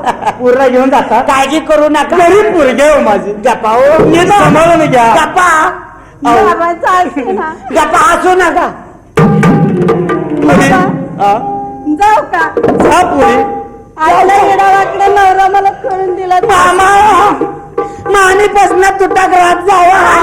पूर्ण घेऊन जाता. काळजी करू नका. घरी पोरगे हो माझी. गप्पा हो. नीट सांभाळून घ्या. गप्पा बाबा चालते ना. गप्पा हसू नका. पुरी जाऊ का? जा पुरी. आपल्या येडावाकडे नवरा मला करून दिला. मामा मानीपासून तुटा घरात जावा.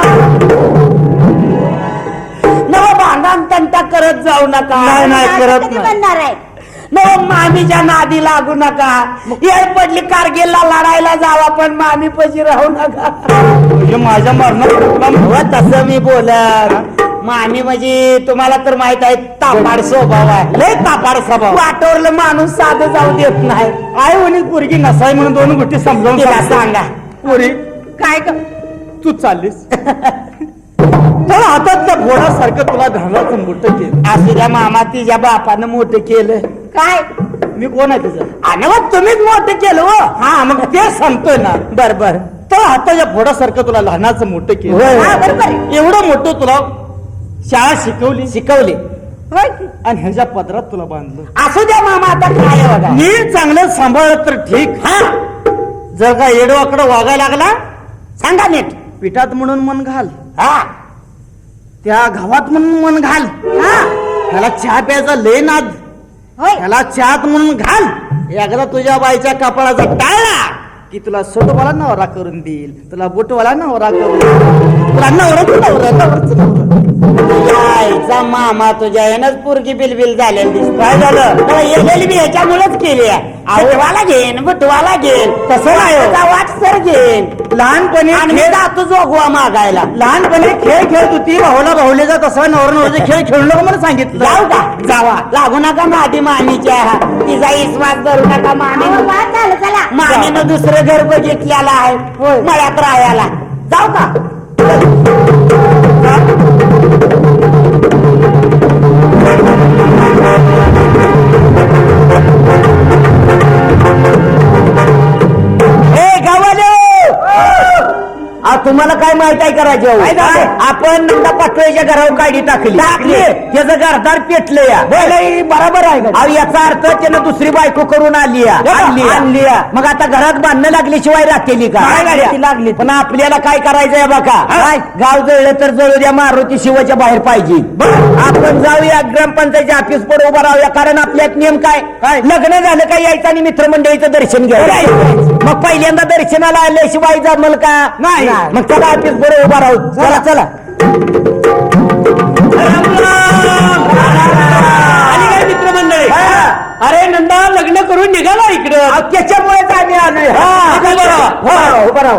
नव भांडण तंटा करत जाऊ नका. नाही करत नाही. बनणार आहे नव मामीच्या नादी लागू नका. येळ पडली कारगिलला लढायला जावा पण मामी पशी राहू नका. म्हणजे माझ्या मरणात तसं मी बोलत. मामी म्हणजे तुम्हाला तर माहित आहे तापाड स्वभाव आहे. लय तापाड स्वभाव. वाटोरलं माणूस साधं जाऊ देत नाही. आई वडील पोरगी नसाय म्हणून दोन गोष्टी समजावून तिला सांगा. पोरी काय तू चाललीस तर हातातल्या घोडासारखं तुला घालाचं मोठं केलं. असू द्या मामा तिच्या बापानं मोठं केलं. काय मी कोण आहे तुझं? आणि मग तुम्हीच मोठं केलं हो. हा मग ते सांगतोय ना. बर बर. तर हाताच्या घोडासारखं तुला लहानाचं मोठं केलं. होय. हा, बरोबर आहे. एवढं मोठं तुला शाळा शिकवली शिकवली. होय की? आणि ह्याच्या पदरात तुला बांधलं. असू द्या मामा आता काय आहे बघा. नीट चांगलं सांभाळत तर ठीक. हा जर का येडवाकडं वागायला लागला सांगा नीट. पिठात म्हणून मन घाल, हा त्या घावात म्हणून मन घाल. हा त्याला चहा प्यायचा लय नाद, होय. त्याला चहात म्हणून घाल. एकदा तुझ्या बाईच्या कपाळाचा टाळला की तुला सोटवाला नवरा करून देईल, तुला बोटवाला नवरा करून देईल, तुला नवराच यायचा मामा तुझ्या यानंच पोरगी बिलबिल झालेली दिसत. काय झालं? येलेली मी ह्याच्यामुळेच केली आहे. बुटवाला घेईन बुटवाला घेईन. तसं नाही हो. वाट सर घेईन. लहानपणी आणि मी जातो जोगवा मागायला. लहानपणी खेळ खेळत होती, भाऊला भाऊलेचा तसा नवरा नवऱ्याचे खेळ खेळू नको मला सांगितलं. जाऊ का? जावा. लागू नका मादी मामीच्या. तिचा विश्वास धरू नका अहो, मामीनं. वा, चला चला. मामीनं दुसरं घर बघितलेलं आहे मळ्यात राहायला. जाऊ का? ए गावाले तुम्हाला काय माहित आहे करायचं? आपण नंदा पाटोळीच्या घरावर गाडी टाकली. त्याचं घरदार पेटलं या. बरोबर आहे. अहो याचा अर्थ त्यानं दुसरी बायको करून आणली. मग आता घरात बांधणं लागल्याशिवाय राहतेली का? लागली. पण आपल्याला काय करायचंय बघा. गाव जळलं तर जळू द्या, मारुती शिवाच्या बाहेर पाहिजे. आपण जाऊया ग्रामपंचायतच्या ऑफिस पुढे उभा राहूया. कारण आपल्यात नियम काय? लग्न झालं का यायचं आणि मित्रमंडळीचं दर्शन घ्यायचं. मग पहिल्यांदा दर्शनाला आल्याशिवाय जमल का? नाही. मग चला ऑफिस पुढे उभा राहू. चला चला. मित्रमंडळी, अरे नंदा लग्न करून निघाला इकडं. त्याच्यामुळेच आम्ही आलोय. उभा राहू.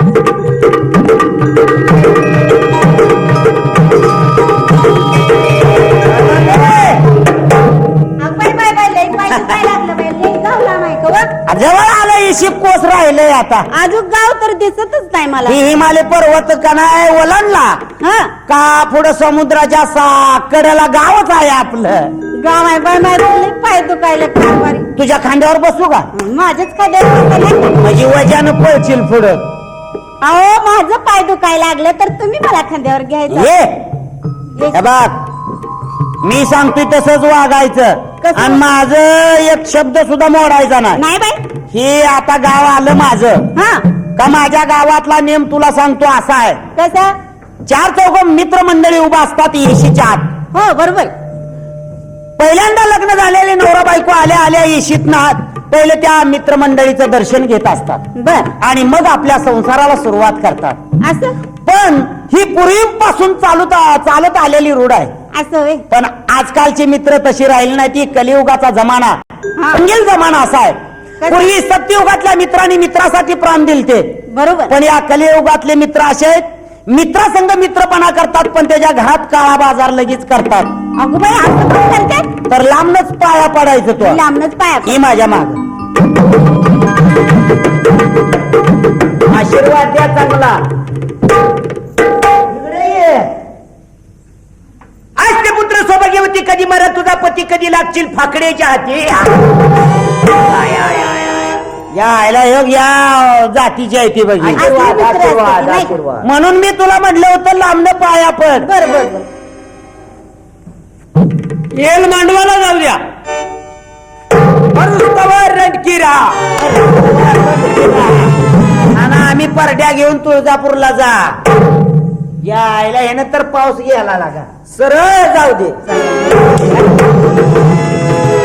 जवळ आलं इशी कोस राहिलंय आता. अजून गाव तर दिसतच नाही मला. ही हिमालय पर्वत का नाही ओलांडला हा का पुढे समुद्राच्या कडेला गावच आहे आपलं. गाव आहे बाय माझे पाय दुखायला कारभारी. तुझ्या खांद्यावर बसू का? माझ्याच खांद्यावर. म्हणजे वजानं पळशील पुढं. अहो माझं पाय दुखायला लागलं तर तुम्ही मला खांद्यावर घ्यायचं. हे बघ मी सांगतोय तसंच वागायचं. कसं? आणि माझं एक शब्द सुद्धा मोडायचा नाही बाई. हे आता गाव आलं माझं हा का माझ्या गावातला नेम तुला सांगतो असा आहे. कसं? 4 चौघ मित्रमंडळी उभा असतात येशीच्या आत. हो बरोबर. पहिल्यांदा लग्न झालेले नवरा बायको आल्या आल्या येशीत नात पहिले त्या मित्रमंडळीचं दर्शन घेत असतात. बर. आणि मग आपल्या संसाराला सुरुवात करतात. असं पण ही पूर्वीपासून चालत आलेली रूढ आहे. असं होय. पण आजकालची मित्र तशी राहिली नाही. ती कलियुगाचा जमाना, अंगेल जमाना असा आहे. पूर्वी सत्ययुगातल्या मित्रांनी मित्रासाठी प्राण दिलते. बरोबर. पण या कलियुगातले मित्र असे आहेत, मित्रासंग मित्रपणा करतात पण त्याच्या घरात काळा बाजार लगेच करतात. अगो बाई असं पण करतात. तर लांबनच पाया पडायचं तो. लांबनच पाया. ही माझ्या माग आशीर्वाद द्या चांगला. इकडे ये. आज ते पुत्र सौभाग्यवती कधी मरत, तुझा पती कधी लागशील फाकड्याच्या हाती. या आयला योग या जातीची आहे ती बघी. आशीर्वाद, आशीर्वाद, आशीर्वाद. म्हणून मी तुला म्हटलं होतं लांबन पाया पड. बरोबर. येल मांडवाला जाऊ द्या. मरुस्तवर रणकिरा आणि आम्ही परड्या घेऊन तुळजापूरला जा यायला ह्यानं तर पाऊस घ्यायला लागा सरळ जाऊ दे